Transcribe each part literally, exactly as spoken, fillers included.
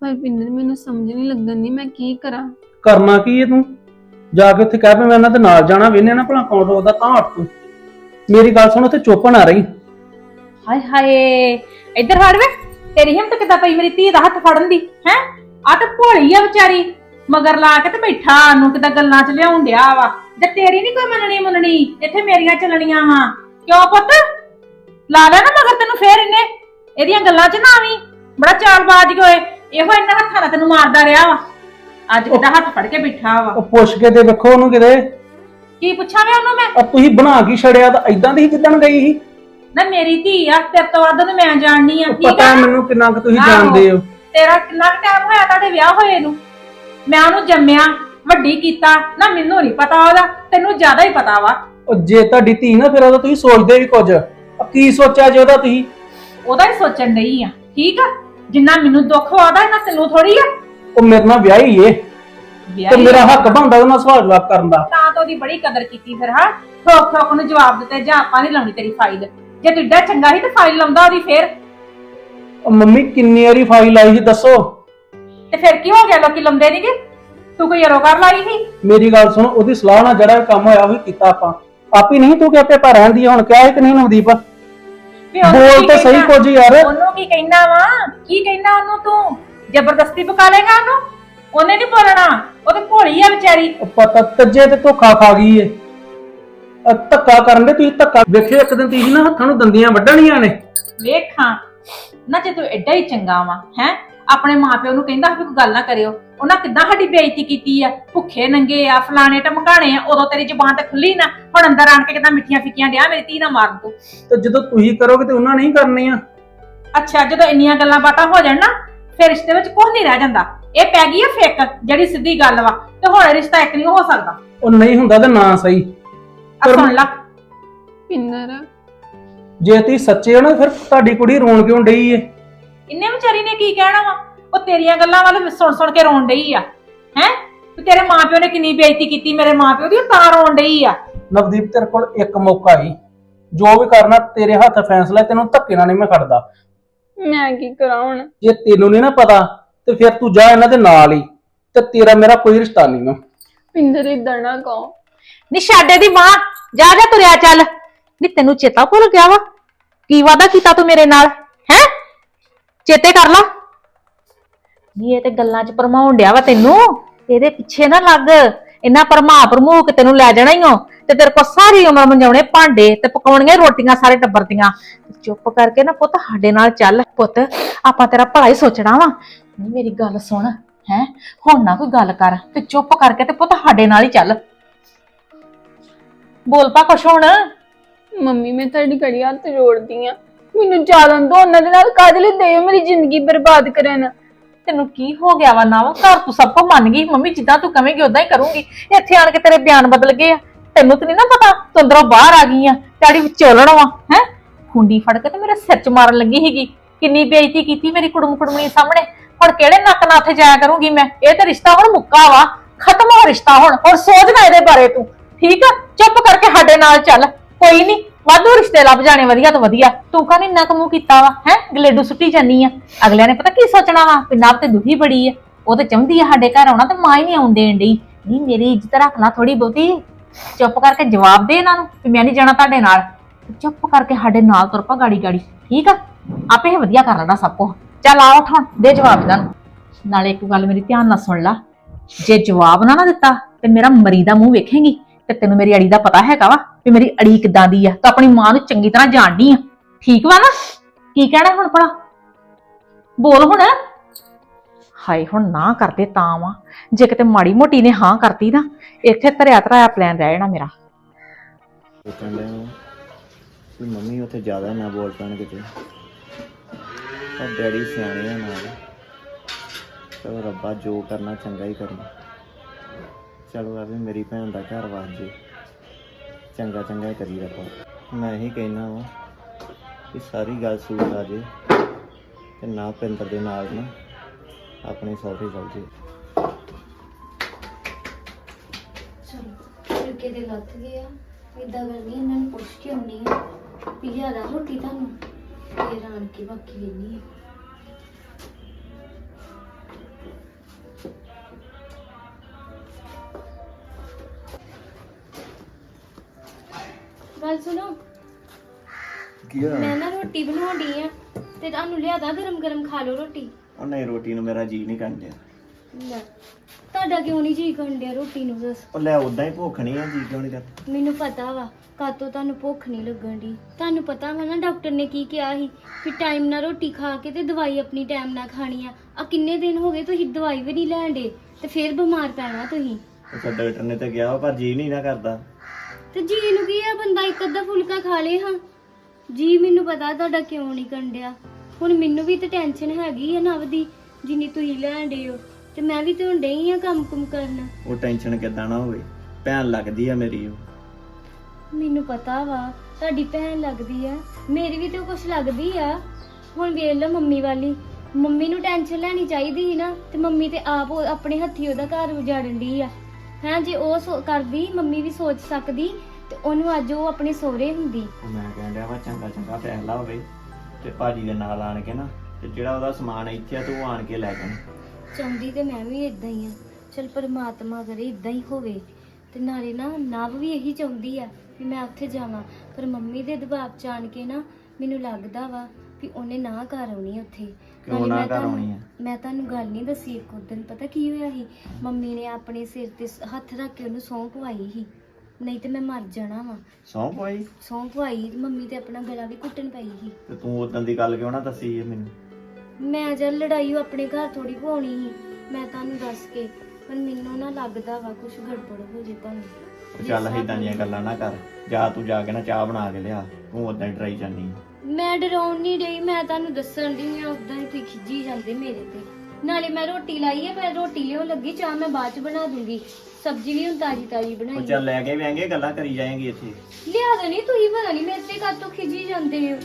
पर पिंदर मैनू समझ नहीं लगन दी मैं की करा। करना की है तू जाके उत्थे कह पे मैं इन्हां दे नाल जाना वेने ना भला कौन रोकदा तां हट तू मेरी गल सुन उत्थे चुप ना रही। हाय हाय इधर हट वे तेरी हिम्मत किदा पई मेरी धी दा हत्थ फड़न दी है आ ते भोली आ बेचारी मगर ला के ते बैठा नु किदा गल्लां च लियाउण दिया वा जे तेरी नहीं कोई मननी मननी इत्थे मेरियां चलणियां वा क्यों पुੱਤ ला ले ना मगर तेनू फेर इन्ने एदियां गल्लां च ना आवी बड़ा चालबाज होए ਇਹੋ ਇੰਨਾ ਹੱਥਾਂ ਨਾਲ ਤੈਨੂੰ ਮਾਰਦਾ ਰਿਹਾ ਵਾ ਅੱਜ ਕਿਦਾ ਹੱਥ ਫੜ ਕੇ ਬੈਠਾ ਵਾ ਉਹ ਪੁੱਛ ਕੇ ਤੇ ਵੇਖੋ ਉਹਨੂੰ ਕਿਤੇ ਕੀ ਪੁੱਛਾਂ ਮੈਂ ਉਹਨੂੰ ਮੈਂ ਆ ਤੁਸੀਂ ਬਣਾ ਕੀ ਛੜਿਆ ਤਾਂ ਇਦਾਂ ਦੀ ਜਿੱਦਣ ਗਈ ਸੀ ਨਾ ਮੇਰੀ ਧੀ ਆ ਤੇਰੇ ਤੋਂ ਵੱਧ ਨੂੰ ਮੈਂ ਜਾਣਨੀ ਆ ਠੀਕ ਪਤਾ ਆ ਮੈਨੂੰ ਕਿੰਨਾ ਕੁ ਤੁਸੀਂ ਜਾਣਦੇ ਹੋ ਤੇਰਾ ਕਿੰਨਾ ਟਾਈਮ ਹੋਇਆ ਤੁਹਾਡੇ ਵਿਆਹ ਹੋਏ ਨੂੰ ਮੈਂ ਉਹਨੂੰ ਜੰਮਿਆ ਵੱਡੀ ਕੀਤਾ ਨਾ ਮੈਨੂੰ ਨਹੀਂ ਪਤਾ ਉਹਦਾ ਤੈਨੂੰ ਜ਼ਿਆਦਾ ਹੀ ਪਤਾ ਵਾ ਉਹ ਜੇ ਤੁਹਾਡੀ ਧੀ ਨਾ ਫਿਰ ਉਹਦਾ ਤੁਸੀਂ ਸੋਚਦੇ ਵੀ ਕੁਝ ਆ ਕੀ ਸੋਚਿਆ ਜੇ ਉਹਦਾ ਤੁਸੀਂ ਉਹਦਾ ਹੀ ਸੋਚਣ ਨਹੀਂ ਆ ਠੀਕ ਆ ਜਿੰਨਾ ਮੈਨੂੰ ਦੁੱਖ ਆਉਂਦਾ ਇਹਨਾਂ ਤੈਨੂੰ ਥੋੜੀ ਆ ਉਹ ਮੇਰੇ ਨਾਲ ਵਿਆਹੀ ਏ ਤੇ ਮੇਰਾ ਹੱਕ ਬਣਦਾ ਉਹਨਾਂ ਸਵਾਲ ਜਵਾਬ ਕਰਨ ਦਾ ਤਾਂ ਤਾਂ ਉਹਦੀ ਬੜੀ ਕਦਰ ਕੀਤੀ ਫਿਰ ਹਾਂ ਠੋਕ ਠੋਕ ਨੂੰ ਜਵਾਬ ਦਿੱਤੇ ਜਾਂ ਆਪਾਂ ਨਹੀਂ ਲਾਉਣੀ ਤੇਰੀ ਫਾਈਲ ਜੇ ਤੂੰ ਏਡਾ ਚੰਗਾ ਸੀ ਤੇ ਫਾਈਲ ਲਾਉਂਦਾ ਉਹਦੀ ਫੇਰ ਉਹ ਮੰਮੀ ਕਿੰਨੀ ਵਾਰੀ ਫਾਈਲ ਆਈ ਸੀ ਦੱਸੋ ਤੇ ਫਿਰ ਕੀ ਹੋ ਗਿਆ ਲੋਕੀ ਲਾਉਂਦੇ ਨਹੀਂਗੇ ਤੂੰ ਕੋਈ ਅਰੋਗਰ ਲਾਈ ਸੀ ਮੇਰੀ ਗੱਲ ਸੁਣ ਉਹਦੀ ਸਲਾਹ ਨਾਲ ਜਿਹੜਾ ਕੰਮ ਹੋਇਆ ਉਹ ਕੀਤਾ ਆਪਾਂ ਆਪ ਹੀ ਨਹੀਂ ਤੂੰ ਕਿ ਆਪੇ ਘਰ ਰਹਿੰਦੀ ਹੁਣ ਕਿਹਾ ਹੈ ਕਿ ਨਹੀਂ ਨਵਦੀਪ ਬੋਲ ਤੇ ਸਹੀ ਕੁਝ ਯਾਰ ਉਹਨੂੰ ਕੀ ਕਹਿਣਾ ਵਾ ਕੀ ਕਹਿਣਾ ਉਹਨੂੰ ਤੂੰ ਜ਼ਬਰਦਸਤੀ ਪਕਾ ਲੇਗਾ ਉਹਨੂੰ ਉਹਨੇ ਨਹੀਂ ਬੋਲਣਾ ਉਹ ਤੇ ਭੋਲੀ ਆ ਵਿਚਾਰੀ ਪਤਾ ਤੱਜੇ ਤੇ ਧੋਖਾ ਖਾ ਗਈ ਏ ਧੱਕਾ ਕਰਨ ਦੇ ਤੁਸੀਂ ਧੱਕਾ ਵੇਖਿਓ ਇੱਕ ਦਿਨ ਤੁਸੀਂ ਨਾ ਹੱਥਾਂ ਨੂੰ ਦੰਦੀਆਂ ਵੱਢਣੀਆਂ ਨੇ ਵੇਖਾਂ ਨਾ ਜੇ ਤੂੰ ਐਡਾ ਹੀ ਚੰਗਾ ਵਾ ਹੈ ਆਪਣੇ ਮਾਪਿਓ ਨੂੰ ਕਹਿੰਦਾ ਵੀ ਕੋਈ ਗੱਲ ਨਾ ਕਰਿਓ ਉਹਨਾਂ ਕਿੱਦਾਂ ਸਾਡੀ ਬੇਇੱਜ਼ਤੀ ਕੀਤੀ ਆ ਭੁੱਖੇ ਨੰਗੇ ਆ ਫਲਾਣੇ ਟਮਕਾਣੇ ਆ ਉਦੋਂ ਤੇਰੀ ਜ਼ੁਬਾਨ ਤੇ ਖੁੱਲੀ ਨਾ ਹੁਣ ਅੰਦਰ ਆਣ ਕੇ ਕਿੱਦਾਂ ਮਿੱਠੀਆਂ ਫਿੱਕੀਆਂ ਡਿਆ ਮੇਰੀ ਧੀ ਨਾ ਮਾਰਨ ਤੂੰ ਤੇ ਜਦੋਂ ਤੁਸੀਂ ਕਰੋਗੇ ਤੇ ਉਹਨਾਂ ਨਹੀਂ ਕਰਨੀਆਂ ਅੱਛਾ ਜਦੋਂ ਇੰਨੀਆਂ ਗੱਲਾਂ ਬਾਤਾਂ ਹੋ ਜਾਣ ਨਾ ਫਿਰ ਰਿਸ਼ਤੇ ਵਿੱਚ ਕੁਝ ਨਹੀਂ ਰਹਿ ਜਾਂਦਾ ਇਹ ਪੈ ਗਈ ਆ ਫੇਕ ਜਿਹੜੀ ਸਿੱਧੀ ਗੱਲ ਵਾ ਤੇ ਹੁਣ ਰਿਸ਼ਤਾ ਇੱਕ ਨਹੀਂ ਹੋ ਸਕਦਾ ਉਹ ਨਹੀਂ ਹੁੰਦਾ ਤੇ ਨਾ ਸਹੀ ਆ ਸੁਣ ਲਾ पिंदर ਜੇ ਤੁਸੀਂ ਸੱਚੇ ਹੋ ਨਾ ਫਿਰ ਤੁਹਾਡੀ ਕੁੜੀ ਰੋਣ ਕਿਉਂ ਡਈ ਏ ਇੰਨੇ ਵਿਚਾਰੀ ਨੇ ਕੀ ਕਹਿਣਾ ਵਾ ਉਹ ਤੇਰੀਆਂ ਗੱਲਾਂ ਵੱਲ ਸੁਣ ਸੁਣ ਕੇ ਰੋਣ ਡਈ ਆ ਹੈ ਤੇ ਤੇਰੇ ਮਾਪਿਓ ਨੇ ਕਿੰਨੀ ਬੇਇੱਜ਼ਤੀ ਕੀਤੀ ਮੇਰੇ ਮਾਪਿਓ ਦੀ ਤਾਂ ਰੋਣ ਡਈ ਆ ਨਵਦੀਪ ਤੇਰੇ ਕੋਲ ਇੱਕ ਮੌਕਾ ਹੀ ਜੋ ਵੀ ਕਰਨਾ ਤੇਰੇ ਹੱਥ ਫੈਸਲਾ ਤੈਨੂੰ ਧੱਕੇ ਨਾਲ ਨਹੀਂ ਮੈਂ ਖੜਦਾ मैं की करा हुण ਜੇ ਤੈਨੂੰ ਨਹੀਂ ਨਾ ਪਤਾ ਤੇ ਫਿਰ ਤੂੰ ਜਾ ਇਹਨਾਂ ਦੇ ਨਾਲ ਹੀ ਤੇ ਤੇਰਾ ਮੇਰਾ ਕੋਈ ਰਿਸ਼ਤਾ ਨਹੀਂ ਨਾ पिंदर इधर ना कहो ਨੀ ਛੱਡੇ ਦੀ ਮਾਂ ਜਾ ਜਾ ਤੁਰਿਆ ਚੱਲ ਨੀ ਤੈਨੂੰ ਚੇਤਾ ਭੁੱਲ ਗਿਆ ਵਾ ਕੀ ਵਾਦਾ ਕੀਤਾ ਤੂੰ ਮੇਰੇ ਨਾਲ ਹੈ ਚੇਤੇ ਕਰ ਲਾ ਨੀ ਇਹ ਤੇ ਗੱਲਾਂ 'ਚ ਭਰਮਾਉਣ ਡਿਆ ਵਾ ਤੈਨੂੰ ਇਹਦੇ ਪਿੱਛੇ ਨਾ ਲੱਗ ਇੰਨਾ ਭਰਮਾ ਭਰਮੂ ਕੇ ਤੈਨੂੰ ਲੈ ਜਾਣਾ ਹੀ ਹੋ ਤੇ ਤੇਰੇ ਕੋਲ ਸਾਰੀ ਉਮਰ ਮੰਜਾਉਣੇ ਭਾਂਡੇ ਤੇ ਪਕਾਉਣੀਆਂ ਰੋਟੀਆਂ ਸਾਰੇ ਟੱਬਰ ਦੀਆਂ ਚੁੱਪ ਕਰਕੇ ਨਾ ਪੁੱਤ ਸਾਡੇ ਨਾਲ ਚੱਲ ਪੁੱਤ ਆਪਾਂ ਤੇਰਾ ਭਲਾ ਹੀ ਸੋਚਣਾ ਵਾ ਨਹੀਂ ਮੇਰੀ ਗੱਲ ਸੁਣ ਹੈ ਹੁਣ ਨਾ ਕੋਈ ਗੱਲ ਕਰ ਤੇ ਚੁੱਪ ਕਰਕੇ ਤੇ ਪੁੱਤ ਸਾਡੇ ਨਾਲ ਹੀ ਚੱਲ ਬੋਲ ਪਾ ਕੁਛ ਹੁਣ ਮੰਮੀ ਮੈਂ ਤੁਹਾਡੀ ਘੜੀ ਹੱਥ ਜੋੜਦੀ ਆ ਮੈਨੂੰ ਜਾਲਣ ਦੋ ਉਹਨਾਂ ਦੇ ਨਾਲ ਕਾਹਦੇ ਲਈ ਦੇ ਮੇਰੀ ਜ਼ਿੰਦਗੀ ਬਰਬਾਦ ਕਰਨ ਤੈਨੂੰ ਕੀ ਹੋ ਗਿਆ ਵਾ ਨਾ ਘਰ ਤੂੰ ਸਭ ਕੁਝ ਮੰਨ ਗਈ ਮੰਮੀ ਜਿੱਦਾਂ ਤੂੰ ਕਹੇਂਗੀ ਉਦਾਂ ਹੀ ਕਰੂੰਗੀ ਇੱਥੇ ਆਣ ਕੇ ਤੇਰੇ ਬਿਆਨ ਬਦਲ ਗਏ ਆ ਤੈਨੂੰ ਤੇ ਨਹੀਂ ਨਾ ਪਤਾ ਤੂੰ ਅੰਦਰੋਂ ਬਾਹਰ ਆ ਗਈ ਆ ਤਾੜੀ ਵਿੱਚ ਚੋਲਣ ਵਾ ਹੈ ਖੁੰਡੀ ਫੜ ਕੇ ਤੇ ਮੇਰੇ ਸਿਰ 'ਚ ਮਾਰਨ ਲੱਗੀ ਸੀਗੀ ਕਿੰਨੀ ਬੇਇੱਜ਼ਤੀ ਕੀਤੀ ਮੇਰੀ ਕੁੜਮ ਕੁੜਮਣੀ ਸਾਹਮਣੇ ਹੁਣ ਕਿਹੜੇ ਨੱਕ ਨਾਲ ਉੱਥੇ ਜਾਇਆ ਕਰੂੰਗੀ ਮੈਂ ਇਹ ਤਾਂ ਰਿਸ਼ਤਾ ਹੁਣ ਮੁੱਕਾ ਵਾ ਖਤਮ ਹੋ ਰਿਸ਼ਤਾ ਹੁਣ ਹੁਣ ਸੋਚ ਨਾ ਇਹਦੇ ਬਾਰੇ ਤੂੰ ਠੀਕ ਆ ਚੁੱਪ ਕਰਕੇ ਸਾਡੇ ਨਾਲ ਚੱਲ ਕੋਈ ਨਹੀਂ ਵਾਧੂ ਰਿਸ਼ਤੇ ਲੱਭ ਜਾਣੇ ਵਧੀਆ ਤੋਂ ਵਧੀਆ ਤੂੰ ਕਾਹਨੀ ਨੱਕ ਮੂੰਹ ਕੀਤਾ ਵਾ ਹੈ ਗਲੇਡੂ ਸੁੱਟੀ ਜਾਨੀ ਆ ਅਗਲਿਆਂ ਨੇ ਪਤਾ ਕੀ ਸੋਚਣਾ ਵਾ ਪਿੰਨਾਬ ਤੇ ਦੁਖੀ ਬੜੀ ਆ ਉਹ ਤੇ ਚਾਹੁੰਦੀ ਆ ਸਾਡੇ ਘਰ ਆਉਣਾ ਤੇ ਮਾਂ ਹੀ ਨਹੀਂ ਆਉਣ ਦੇਣ ਡਈ ਨਹੀਂ ਮੇਰੀ ਇੱਜ਼ਤ ਰੱਖ ਲਾ ਥੋੜੀ ਬਹੁਤੀ ਚੁੱਪ ਕਰਕੇ ਜਵਾਬ ਦੇ ਇਹਨਾਂ ਨੂੰ ਕਿ ਮੈਂ ਨਹੀਂ ਜਾਣਾ ਤੁਹਾਡੇ ਨਾਲ ਚੁੱਪ ਕਰਕੇ ਸਾਡੇ ਨਾਲ ਤੁਰ ਪਾ ਗਾੜੀ ਗਾੜੀ ਠੀਕ ਆ ਆਪੇ ਇਹ ਵਧੀਆ ਕਰ ਲੈਣਾ ਸਭ ਕੁਝ ਚੱਲ ਆ ਉੱਠ ਹੁਣ ਦੇ ਜਵਾਬ ਇਹਨਾਂ ਨੂੰ ਨਾਲੇ ਇੱਕ ਗੱਲ ਮੇਰੀ ਧਿਆਨ ਨਾਲ ਸੁਣ ਲਾ ਜੇ ਜਵਾਬ ਨਾ ਨਾ ਦਿੱਤਾ ਤੇ ਮੇਰਾ ਮਰੀ ਦਾ ਮੂੰਹ ਵੇਖੇਂਗੀ ਤੇ ਤੈਨੂੰ ਮੇਰੀ ਅੜੀ ਦਾ ਪਤਾ ਹੈਗਾ ਵਾ ਵੀ ਮੇਰੀ ਅੜੀ ਕਿੱਦਾਂ ਦੀ ਆ ਤਾਂ ਆਪਣੀ ਮਾਂ ਨੂੰ ਚੰਗੀ ਤਰ੍ਹਾਂ ਜਾਣਦੀ ਆ ਠੀਕ ਵਾ ਨਾ ਕੀ ਕਹਿਣਾ ਹੁਣ ਭਲਾ ਬੋਲ ਹੁਣ ਹਾਏ ਹੁਣ ਨਾ ਕਰਦੇ ਤਾਂ ਵਾ ਜੇ ਕਿਤੇ ਮਾੜੀ ਮੋਟੀ ਨੇ ਹਾਂ ਕਰਤੀ ਨਾ ਇੱਥੇ ਧਰਿਆ ਧਰਾਇਆ ਪਲਾਨ ਰਹਿ ਜਾਣਾ ਮੇਰਾ ਕਹਿੰਦੇ ਨੂੰ ਕਿ ਮੰਮੀ ਉੱਥੇ ਜ਼ਿਆਦਾ ਨਾ ਬੋਲ ਪੈਣ ਕਿਤੇ ਪਰ ਡੈਡੀ ਸਿਆਣੇ ਆ ਨਾਲ ਚਲੋ ਰੱਬਾ ਜੋ ਕਰਨਾ ਚੰਗਾ ਹੀ ਕਰਨਾ ਚਲੋ ਆ ਵੀ ਮੇਰੀ ਭੈਣ ਦਾ ਘਰ ਵਸ ਜੇ ਚੰਗਾ ਚੰਗਾ ਹੀ ਕਰੀ ਰੱਬਾ ਮੈਂ ਇਹੀ ਕਹਿਣਾ ਵਾ ਕਿ ਸਾਰੀ ਗੱਲ ਸੂਟ ਆ ਜੇ ਤੇ ਨਾ ਪਿੰਦਰ ਦੇ ਨਾਲ ਨਾ ਆਪਣੇ ਸਹੁਰੇ ਚੱਲ ਜੇ ਚਲੋ ਫੁਲਕੇ ਦੇ ਲੱਥ ਗਏ ਆ ਇਦਾਂ ਕਰਨੀ ਇਹਨਾਂ ਨੂੰ ਪੁੱਛ ਕੇ ਆਉਣੀ ਆ ਵੀ ਲਿਆਦਾ ਰੋਟੀ ਤੁਹਾਨੂੰ ਫੇਰ ਆਣ ਕੇ ਬਾਕੀ ਲੈਣੀ ਆ ਗੱਲ ਸੁਣੋ, ਕੀ ਹੋਇਆ? ਮੈਂ ਨਾ ਰੋਟੀ ਬਣਾਉਂਦੀ ਆ ਤੇ ਤੁਹਾਨੂੰ ਲਿਆਦਾ ਗਰਮ ਗਰਮ ਖਾ ਲਓ ਰੋਟੀ। ਉਹ ਨਹੀਂ, ਰੋਟੀ ਨੂੰ ਮੇਰਾ ਜੀ ਨਹੀਂ ਕਰਦਾ। ਲੈ, ਤੁਹਾਡਾ ਕਿਉਂ ਨਹੀਂ ਜੀ ਕਰਨ ਡਿਆ ਰੋਟੀ ਨੂੰ ਦੱਸ? ਉਹ ਲੈ ਉਦਾਂ ਹੀ ਭੁੱਖ ਨਹੀਂ ਆ, ਜੀ ਕਿਉਂ ਨਹੀਂ ਕਰਦਾ? ਮੈਨੂੰ ਪਤਾ ਵਾ ਕਾਤੋਂ ਤੁਹਾਨੂੰ ਭੁੱਖ ਨਹੀਂ ਲੱਗਣ ਦੀ। ਤੁਹਾਨੂੰ ਪਤਾ ਵਾ ਨਾ ਡਾਕਟਰ ਨੇ ਕੀ ਕਿਹਾ ਸੀ ਕਿ ਟਾਈਮ ਨਾਲ ਰੋਟੀ ਖਾ ਕੇ ਤੇ ਦਵਾਈ ਆਪਣੀ ਟਾਈਮ ਨਾਲ ਖਾਣੀ ਆ। ਆ ਕਿੰਨੇ ਦਿਨ ਹੋ ਗਏ ਤੁਸੀਂ ਦਵਾਈ ਵੀ ਨਹੀਂ ਲੈਣ ਡੇ ਤੇ ਫਿਰ ਬਿਮਾਰ ਪੈਣਾ ਤੁਸੀਂ। ਉਹ ਡਾਕਟਰ ਨੇ ਤਾਂ ਕਿਹਾ ਪਰ ਜੀ ਨਹੀਂ ਨਾ ਕਰਦਾ। ਤੇ ਜੀ ਨੂੰ ਕੀ ਆ, ਬੰਦਾ ਇੱਕ ਅੱਧਾ ਫੁਲਕਾ ਖਾ ਲੇ। ਹਾਂ ਜੀ ਮੈਨੂੰ ਪਤਾ ਤੁਹਾਡਾ ਕਿਉਂ ਨਹੀਂ ਕੰਡਿਆ। ਹੁਣ ਮੈਨੂੰ ਵੀ ਤੇ ਟੈਨਸ਼ਨ ਹੈਗੀ ਆ ਨਵ ਦੀ ਜਿੰਨੀ ਤੁਸੀਂ ਲੈਣ ਡੇ ਹੋ, ਤੇ ਮੈਂ ਵੀ ਤੇ ਹੁਣ ਡਈ ਆ ਕੰਮ ਕੁਮ ਕਰਨ। ਉਹ ਟੈਨਸ਼ਨ ਕਿੱਦਾਂ ਨਾ ਹੋਵੇ, ਭੈਣ ਲੱਗਦੀ ਆ ਮੇਰੀ। ਉਹ ਮੈਨੂੰ ਪਤਾ ਵਾ ਤੁਹਾਡੀ ਭੈਣ ਲੱਗਦੀ ਆ, ਮੇਰੀ ਵੀ ਤੇ ਕੁਛ ਲੱਗਦੀ ਆ। ਹੁਣ ਵੇਖ ਲਓ ਮੰਮੀ ਵਾਲੀ, ਮੰਮੀ ਨੂੰ ਟੈਨਸ਼ਨ ਲੈਣੀ ਚਾਹੀਦੀ ਸੀ ਨਾ, ਤੇ ਮੰਮੀ ਤੇ ਆਪ ਉਹ ਆਪਣੇ ਹੱਥੀ ਉਹਦਾ ਘਰ ਉਜਾੜਨ ਦੀ ਆ। ਹੈਂ, ਜੇ ਉਹ ਸੋ- ਕਰਦੀ ਮੰਮੀ ਵੀ ਸੋਚ ਸਕਦੀ ਤੇ ਉਹਨੂੰ ਅੱਜ ਉਹ ਆਪਣੇ ਸਹੁਰੇ ਹੁੰਦੀ। ਉਹ ਮੈਂ ਕਹਿਣ ਡਿਆ ਵਾ ਚੰਗਾ ਚੰਗਾ ਫੈਸਲਾ ਹੋਵੇ ਤੇ ਭਾਜੀ ਦੇ ਨਾਲ ਆਣ ਕੇ ਨਾ, ਤੇ ਜਿਹੜਾ ਉਹਦਾ ਸਮਾਨ ਇੱਥੇ ਆ ਤੂੰ ਆਣ ਕੇ ਲੈ ਜਾਣਾ। ਚਾਹੁੰਦੀ ਤੇ ਮੈਂ ਵੀ ਇਦਾਂ ਹੀ ਆ। ਚਲ ਪਰਮਾਤਮਾ ਕਰੇ ਇਦਾਂ ਹੀ ਹੋਵੇ। ਤੇ ਨਾਲੇ ਨਾ ਨਵ ਵੀ ਇਹੀ ਚਾਹੁੰਦੀ ਆ ਵੀ ਮੈਂ ਉੱਥੇ ਜਾਵਾਂ, ਪਰ ਮੰਮੀ ਦੇ ਦਬਾਅ ਚ ਆਣ ਕੇ ਨਾ ਮੈਨੂੰ ਲੱਗਦਾ ਵਾ ਵੀ ਉਹਨੇ ਨਾ ਘਰ ਆਉਣੀ ਉੱਥੇ। ਕਿਉਂ ਨਾਲੇ ਨਾ ਮੈਂ ਘਰ ਤੁਹਾਨੂੰ- ਆਉਣੀ ਆ? ਮੈਂ ਤੁਹਾਨੂੰ ਗੱਲ ਨਹੀਂ ਦੱਸੀ। ਇੱਕ ਦਿਨ ਪਤਾ ਕੀ ਹੋਇਆ ਸੀ, ਮੰਮੀ ਨੇ ਆਪਣੇ ਸਿਰ ਤੇ ਹੱਥ ਰੱਖ ਕੇ ਉਹਨੂੰ ਸਹੁੰ ਪਵਾਈ ਸੀ, ਨਹੀਂ ਤੇ ਮੈਂ ਮਰ ਜਾਣਾ ਵਾ। ਸੌਂ ਪਈ? ਸਹੁੰ ਪਵਾਈ, ਮੰਮੀ ਤੇ ਆਪਣਾ ਗਲਾ ਵੀ ਘੁੱਟਣ ਪਈ ਸੀ। ਤੇ ਤੂੰ ਉਦੋਂ ਦੀ ਗੱਲ ਕਿਉਂ ਨਾ ਦੱਸੀ ਇਹ ਮੈਨੂੰ? ਮੈਂ ਜਦ ਲੜਾਈ ਉਹ ਆਪਣੇ ਘਰ ਥੋੜੀ ਪਵਾਉਣੀ ਸੀ, ਮੈਂ ਤੁਹਾਨੂੰ ਦੱਸ ਕੇ। ਪਰ ਮੈਨੂੰ ਨਾ ਲੱਗਦਾ ਵਾ ਕੁਝ ਗੜਬੜ ਹੋ ਜੇ ਤੁਹਾਨੂੰ। ਉਹ ਚੱਲ ਏਦਾਂ ਦੀਆਂ ਗੱਲਾਂ ਨਾ ਕਰ, ਜਾ ਤੂੰ ਜਾ ਕੇ ਨਾ ਚਾਹ ਬਣਾ ਕੇ ਲਿਆ, ਤੂੰ ਉਦਾਂ ਹੀ ਡਰਾਈ ਜਾਂਦੀ ਆ। ਮੈਂ ਡਰਾਉਣ ਨਹੀਂ ਰਹੀ, ਮੈਂ ਤੁਹਾਨੂੰ ਦੱਸਣ ਦੀ ਆ। ਉਦਾਂ ਹੀ ਤੁਸੀਂ ਖਿੱਜੀ ਜਾਂਦੇ ਮੇਰੇ ਤੇ। ਨਾਲੇ ਮੈਂ ਰੋਟੀ ਲਾਈ ਹੈ, ਮੈਂ ਰੋਟੀ ਲਿਓ ਲੱਗੀ, ਚਾਹ ਮੈਂ ਬਾਅਦ ਚ ਬਣਾ ਦੂੰਗੀ। ਸਬਜ਼ੀ ਵੀ ਹੁਣ ਤਾਜੀ ਤਾਜੀ ਉਹ ਬਣਾਈ। ਚੱਲ ਲੈ ਕੇ ਵਿਆਂਗੇ, ਗੱਲਾਂ ਕਰੀ ਜਾਏਂਗੀ ਇੱਥੇ। ਲਿਆ ਦੇਣੀ ਤੁਸੀਂ, ਪਤਾ ਨਹੀਂ ਮੇਰੇ ਤੇ ਕਾਤੋਂ ਖਿੱਜੀ ਜਾਂਦੇ ਹੋ।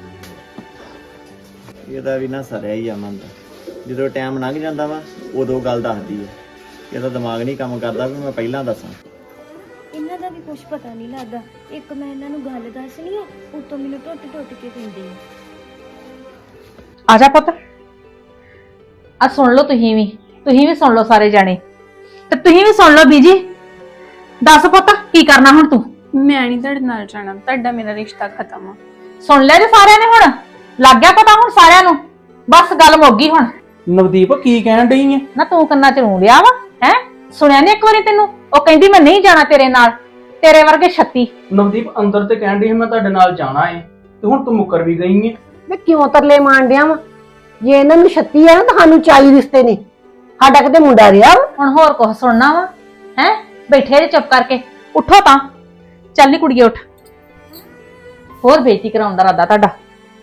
ਇਹਦਾ ਵੀ ਨਾ ਸਰਿਆ ਹੀ ਆ ਮਨ ਦਾ। ਜਦੋਂ ਟਾਈਮ ਲੰਘ ਜਾਂਦਾ ਵਾ ਉਦੋਂ ਗੱਲ ਦੱਸਦੀ ਹੈ। ਇਹਦਾ ਦਿਮਾਗ ਨਹੀਂ ਕੰਮ ਕਰਦਾ ਵੀ ਮੈਂ ਪਹਿਲਾਂ ਦੱਸਾਂ। ਇਹਨਾਂ ਦਾ ਵੀ ਕੁਝ ਪਤਾ ਨਹੀਂ ਲੱਗਦਾ। ਇੱਕ ਮੈਂ ਇਹਨਾਂ ਨੂੰ ਗੱਲ ਦੱਸਣੀ ਆ, ਉਤੋਂ ਮੈਨੂੰ ਟੁੱਟ ਟੁੱਟ ਕੇ ਕਹਿੰਦੇ ਆ। ਆ ਜਾ ਪੁੱਤ, ਆ ਸੁਣ ਲਓ ਤੁਸੀਂ ਵੀ, ਤੁਸੀਂ ਵੀ ਸੁਣ ਲਓ ਸਾਰੇ ਜਾਣੇ, ਤੇ ਤੁਸੀਂ ਵੀ ਸੁਣ ਲਓ ਬੀਜੀ। ਦੱਸ ਪੁੱਤ ਕੀ ਕਰਨਾ ਹੁਣ ਤੂੰ? ਮੈਂ ਨਹੀਂ ਤੁਹਾਡੇ ਨਾਲ ਜਾਣਾ, ਤੁਹਾਡਾ ਮੇਰਾ ਰਿਸ਼ਤਾ ਖਤਮ ਆ। ਸੁਣ ਲਿਆ ਜੇ ਸਾਰਿਆਂ ਨੇ, ਹੁਣ ਲੱਗ ਗਿਆ ਪਤਾ ਹੁਣ ਸਾਰਿਆਂ ਨੂੰ। ਬਸ ਗੱਲ ਮੁੱਕ ਗਈ ਹੁਣ। ਨਵਦੀਪ ਕੀ ਕਹਿਣ ਡਈ ਐ? ਨਾ ਤੂੰ ਕੰਨਾਂ ਚ ਰੂੰ ਲਿਆ ਵਾ ਹੈ? ਸੁਣਿਆ ਨੀ ਇੱਕ ਵਾਰੀ ਤੈਨੂੰ? ਉਹ ਕਹਿੰਦੀ ਮੈਂ ਨਹੀਂ ਜਾਣਾ ਤੇਰੇ ਨਾਲ, ਤੇਰੇ ਵਰਗੇ ਛੱਤੀ। ਨਵਦੀਪ ਅੰਦਰ ਤੇ ਕਹਿਣ ਡਈ ਸੀ ਮੈਂ ਤੁਹਾਡੇ ਨਾਲ ਜਾਣਾ ਏ, ਤੇ ਹੁਣ ਤੂੰ ਮੁੱਕਰ ਵੀ ਗਈ ਏ। ਵੇ ਕਿਉਂ ਤਰਲੇ ਮਾਣ ਡਿਆ ਵਾ? ਜੇ ਇਹਨਾਂ ਨੂੰ ਛੱਤੀ ਆ ਨਾ ਤਾਂ ਸਾਨੂੰ ਚਾਲੀ ਰਿਸ਼ਤੇ ਨੇ। ਸਾਡਾ ਕਿਤੇ ਮੁੰਡਾ ਰਿਹਾ ਵਾ? ਹੁਣ ਹੋਰ ਕੁਝ ਸੁਣਨਾ ਵਾ ਹੈ? ਬੈਠੇ ਜੇ ਚੁੱਪ ਕਰਕੇ, ਉੱਠੋ ਤਾਂ। ਚੱਲ ਨੀ ਕੁੜੀਏ ਉੱਠ, ਹੋਰ ਬੇਇੱਜ਼ਤੀ ਕਰਾਉਣ ਦਾ ਇਰਾਦਾ ਤੁਹਾਡਾ।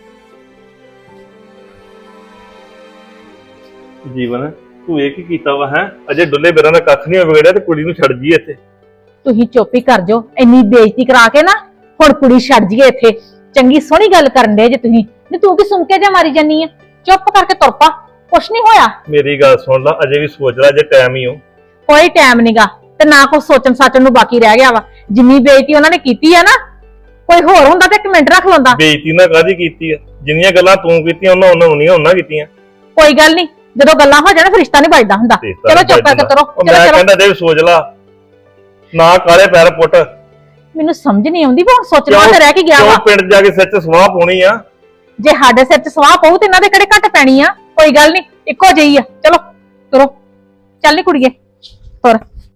ਜੀਵਨ ਤੂੰ ਇਹ ਕੀ ਕੀਤਾ ਵਾ ਹੈ? ਅਜੇ ਡੁੱਲੇ ਬਿਰਾਂ ਦਾ ਕੱਖ ਨਹੀਂ ਵਿਗੜਿਆ ਤੇ ਕੁੜੀ ਨੂੰ ਛੱਡ ਜੀ ਇੱਥੇ। ਤੁਸੀਂ ਚੁੱਪ ਹੀ ਕਰ ਜਾਓ, ਇੰਨੀ ਬੇਇੱਜ਼ਤੀ ਕਰਾ ਕੇ ਨਾ ਹੁਣ ਕੁੜੀ ਛੱਡ ਜੀਏ ਇੱਥੇ। ਚੰਗੀ ਸੋਹਣੀ ਗੱਲ ਕਰਨ ਦੇ ਜੇ ਤੁਸੀਂ, ਨੀ ਤੂੰ ਕੀ ਸੁਣ ਕੇ ਜੇ ਮਾਰੀ ਜਾਨੀ ਆ? ਚੁੱਪ ਕਰਕੇ ਤੁਰ ਪਾ, ਕੁਛ ਨਹੀਂ ਹੋਇਆ। ਮੇਰੀ ਗੱਲ ਸੁਣ ਲੈ, ਅਜੇ ਵੀ ਸੋਚ ਲੈ, ਜੇ ਟਾਈਮ ਹੀ ਹੋ। ਕੋਈ ਟਾਈਮ ਨਹੀਂਗਾ, ਤੇ ਨਾ ਕੁਛ ਸੋਚਣ ਸਾਚਣ ਨੂੰ ਬਾਕੀ ਰਹਿ ਗਿਆ ਵਾ। ਜਿੰਨੀ ਬੇਇੱਜ਼ਤੀ ਉਹਨਾਂ ਨੇ ਕੀਤੀ ਆ ਨਾ, ਕੋਈ ਹੋਰ ਹੁੰਦਾ ਤੇ ਇੱਕ ਮਿੰਟ ਰੱਖ ਲੈਂਦਾ। ਬੇਇੱਜ਼ਤੀ ਨਾ ਕਾਹਦੀ ਕੀਤੀ ਆ? ਜਿੰਨੀਆਂ ਗੱਲਾਂ ਤੂੰ ਕੀਤੀਆਂ ਉਹਨਾਂ ਉਹਨਾਂ ਨਹੀਂ ਉਹਨਾਂ ਕੀਤੀਆਂ। ਕੋਈ ਗੱਲ ਨਹੀਂ, ਜਦੋਂ ਗੱਲਾਂ ਹੋ ਜਾਣ ਫਿਰ ਰਿਸ਼ਤਾ ਨਹੀਂ ਵੱਜਦਾ ਹੁੰਦਾ। ਚਲੋ ਚੁੱਪ ਕਰਕੇ ਤੁਰੋ, ਉਹ ਚਲੋ ਮੈਂ ਚਲੋ। ਕਹਿੰਦਾ ਜੇ ਸੋਚ ਲਾ, ਨਾ ਕਾਲੇ ਪੈਰ ਪੁੱਟ। ਮੈਨੂੰ ਸਮਝ ਨਹੀਂ ਆਉਂਦੀ ਵੀ ਹੁਣ ਸੋਚਣ ਵਾਸਤੇ ਰਹਿ ਕੇ ਗਿਆ ਵਾ। ਕਿਉਂ ਪਿੰਡ ਜਾ ਕੇ ਸਿਰ 'ਚ ਸਵਾਹ ਪਾਉਣੀ ਆ? ਜੇ ਸਾਡੇ ਸਿਰ 'ਚ ਸਵਾਹ ਪਊ ਤੇ ਇਹਨਾਂ ਦੇ ਕਿਹੜੇ ਘੱਟ ਪੈਣੀ ਆ? ਕੋਈ ਗੱਲ ਨਹੀਂ, ਇੱਕੋ ਜਿਹੀ ਆ। ਚਲੋ ਤੁਰੋ, ਚੱਲ ਨੀ ਕੁੜੀਏ ਤੁਰ।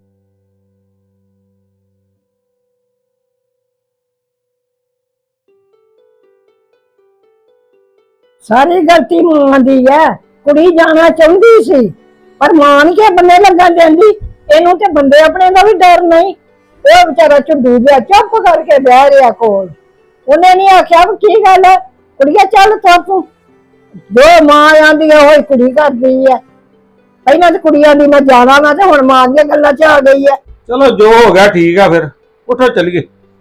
ਸਾਰੀ ਗਲਤੀ ਮਾਂ ਦੀ ਹੈ। ਕੁੜੀ ਜਾਣਾ ਚਾਹੁੰਦੀ ਸੀ ਪਰ ਮਾਂ ਨੀ ਕੇ ਬੰਦੇ ਲੱਗਣ ਦਿੰਦੀ। ਇਹਨੂੰ ਤੇ ਬੰਦੇ ਆਪਣੇ ਦਾ ਵੀ ਡਰ ਨਹੀਂ। ਉਹ ਵਿਚਾਰਾ ਝੁੱਡੂ ਜਿਹਾ ਚੁੱਪ ਕਰਕੇ ਬਹਿ ਰਿਹਾ ਕੋਲ। ਉਹਨੇ ਨਹੀਂ ਆਖਿਆ ਵੀ ਕੀ ਗੱਲ ਹੈ ਕੁੜੀਆ, ਚੱਲ ਤੁਰ ਤੂੰ। ਜੋ ਮਾਂ ਆਂਦੀ ਹੈ ਉਹੀ ਕੁੜੀ ਕਰਦੀ ਹੈ। ਪਹਿਲਾਂ ਤੇ ਕੁੜੀਆਂ ਦੀ ਮੈਂ ਜਾਣਾ ਮੈਂ ਤੇ ਹੁਣ ਮਾਂ ਦੀਆਂ ਗੱਲਾਂ 'ਚ ਆ ਗਈ ਹੈ। ਚਲੋ ਜੋ ਹੋ ਗਿਆ ਠੀਕ ਆ, ਫਿਰ ਉੱਠੋ ਚੱਲੀਏ।